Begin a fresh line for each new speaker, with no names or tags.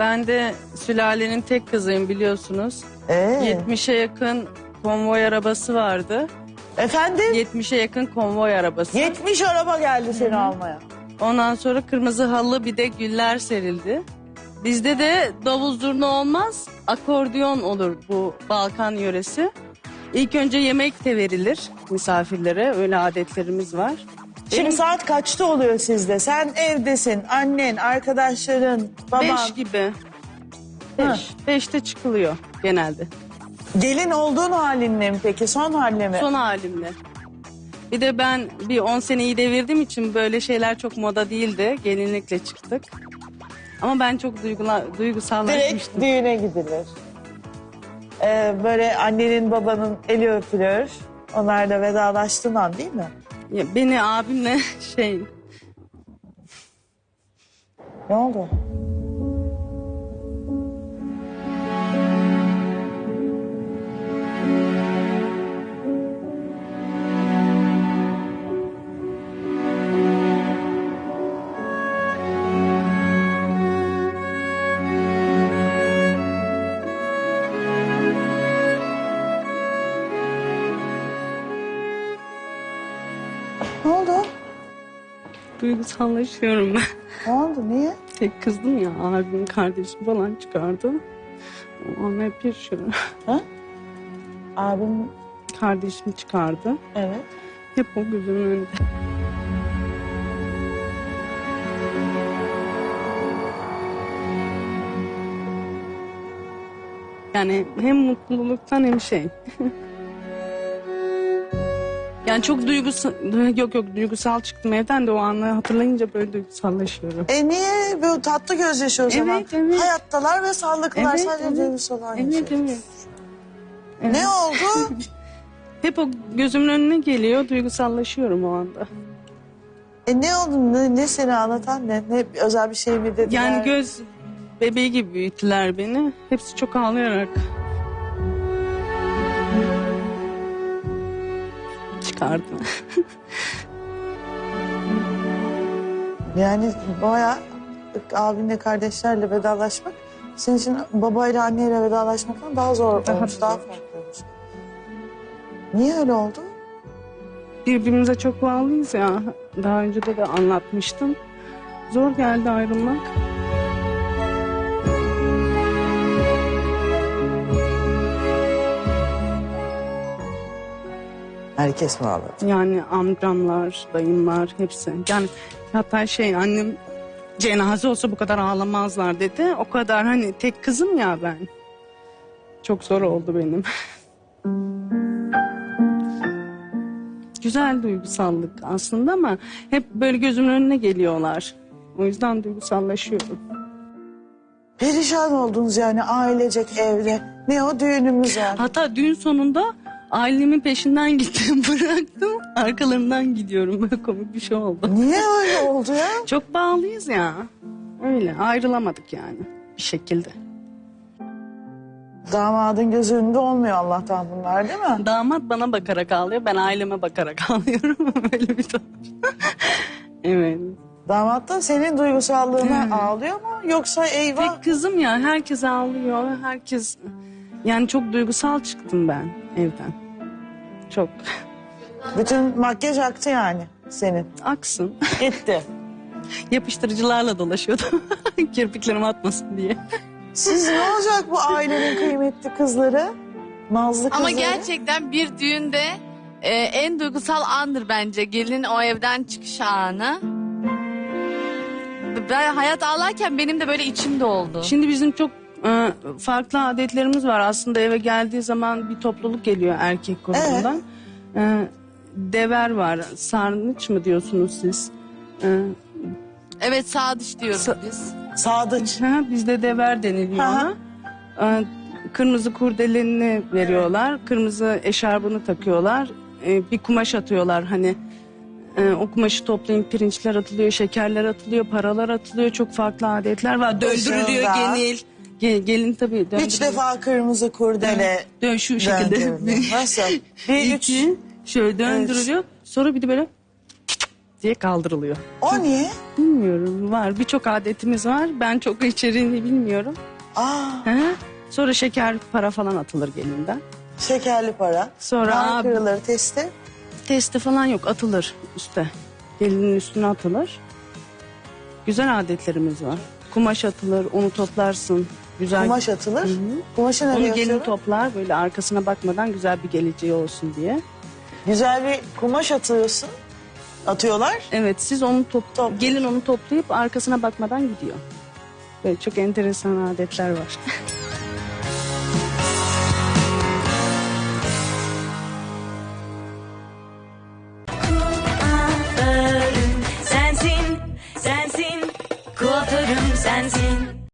Ben de sülalenin tek kızıyım biliyorsunuz. 70'e yakın konvoy arabası vardı.
Efendim?
70'e yakın konvoy arabası.
70 araba geldi seni almaya.
Ondan sonra kırmızı halı bir de güller serildi. Bizde de davul zurna olmaz, akordeon olur bu Balkan yöresi. İlk önce yemek de verilir misafirlere, öyle adetlerimiz var.
Şimdi saat kaçta oluyor sizde? Sen evdesin, annen, arkadaşların, baban.
5 gibi.
Ha.
5'te çıkılıyor genelde.
Gelin olduğun halinle mi peki? Son haline mi?
Son halimle. Bir de ben bir 10 seneyi devirdiğim için böyle şeyler çok moda değildi. Gelinlikle çıktık. Ama ben çok
Direkt
duygusallaşmıştım.
düğüne gidilir. Böyle annenin babanın eli öpülür. Onlarla vedalaştığın an değil mi?
Ya beni abimle
Ne oldu? Ne oldu?
duygusallaşıyorum ben.
Ne oldu? Niye?
Tek kızdım ya, abim kardeşim falan çıkardı. Ona hep yaşıyorum.
Ha? Abim,
Kardeşim çıkardı.
evet.
Hep o gözümün önünde. Yani hem mutluluktan hem Yani çok duygusal çıktım evden de o anı hatırlayınca böyle duygusallaşıyorum.
Niye? Böyle tatlı gözyaşı o zaman.
Evet.
Hayattalar ve sağlıklılar,
Evet,
sadece
evet.
duygusallar
Evet,
yaşıyor.
evet.
Ne oldu?
Hep o gözümün önüne geliyor, duygusallaşıyorum o anda.
Ne oldu? Ne seni anlatan ne? Ne özel bir şey mi dediler?
Yani göz bebeği gibi büyüttüler beni. Hepsi çok ağlayarak çıkardı.
Yani bayağı abinle kardeşlerle vedalaşmak senin için babayla anneyle vedalaşmaktan daha zor
Daha
olmuş,
zor.
daha farklı olmuş. Niye öyle oldu?
Birbirimize çok bağlıyız ya. Daha önce de anlatmıştım. Zor geldi ayrılmak.
Herkes mi ağladı?
Yani amcamlar, dayımlar hepsi. Yani hatta annem cenaze olsa bu kadar ağlamazlar dedi. O kadar hani tek kızım ya ben. Çok zor oldu benim. Güzel duygusallık aslında ama hep böyle gözümün önüne geliyorlar. O yüzden duygusallaşıyorum.
Perişan oldunuz yani ailecek evde. Ne o düğünümüz var.
Hatta düğün sonunda ailemin peşinden gittim, bıraktım. Arkalarından gidiyorum. Böyle komik bir şey oldu.
Niye öyle oldu ya?
Çok bağlıyız ya. Öyle ayrılamadık yani bir şekilde.
Damadın göz önünde olmuyor Allah'tan bunlar değil mi?
Damat bana bakarak ağlıyor, ben aileme bakarak ağlıyorum. Öyle bir durum. Evet.
Damat da senin duygusallığına ağlıyor mu? Yoksa eyvah
Tek kızım ya, herkes ağlıyor. Herkes... Yani çok duygusal çıktım ben evden. Çok.
bütün makyaj aktı yani senin.
Aksın.
Gitti.
Yapıştırıcılarla dolaşıyordum. Kirpiklerim atmasın diye.
Siz ne olacak bu ailenin kıymetli kızları? Nazlı kızları.
Ama gerçekten bir düğünde en duygusal andır bence. Gelinin o evden çıkış anı. Ben hayat ağlarken benim de böyle içim doldu.
Şimdi bizim çok farklı adetlerimiz var. Aslında eve geldiği zaman bir topluluk geliyor erkek grubundan. Dever var. Sarnıç mı diyorsunuz siz?
Evet, sadıç diyoruz
Sa-
biz.
Sadıç.
Bizde dever deniliyor
Aha.
ona. Kırmızı kurdeleni veriyorlar. Kırmızı eşarbını takıyorlar. Bir kumaş atıyorlar hani. O kumaşı toplayın, pirinçler atılıyor, şekerler atılıyor, paralar atılıyor. Çok farklı adetler var. Döndürülüyor
Başında.
gelin tabii.
Üç
döndürülüyor.
defa kırmızı kurdele.
Şu şekilde.
döndürülüyor. Nasıl? Bir üç.
İki, şöyle döndürülüyor. Sonra bir de böyle diye kaldırılıyor.
O niye?
Bilmiyorum, var. Birçok adetimiz var. Ben çok içeriğini bilmiyorum.
Aa,
Hı hı. Sonra şeker para falan atılır gelinden.
şekerli para.
Sonra
Nar kırılır, testi.
testi falan yok, atılır üste. Gelinin üstüne atılır. Güzel adetlerimiz var. Kumaş atılır, onu toplarsın. Güzel.
Kumaş atılır.
Hı hı.
Kumaşı nereye
Onu gelin
atıyorlar?
toplar böyle arkasına bakmadan güzel bir geleceği olsun diye.
Güzel bir kumaş atıyorsun. Atıyorlar.
Evet, siz onu
Topluyor.
gelin onu toplayıp arkasına bakmadan gidiyor. Böyle çok enteresan adetler var.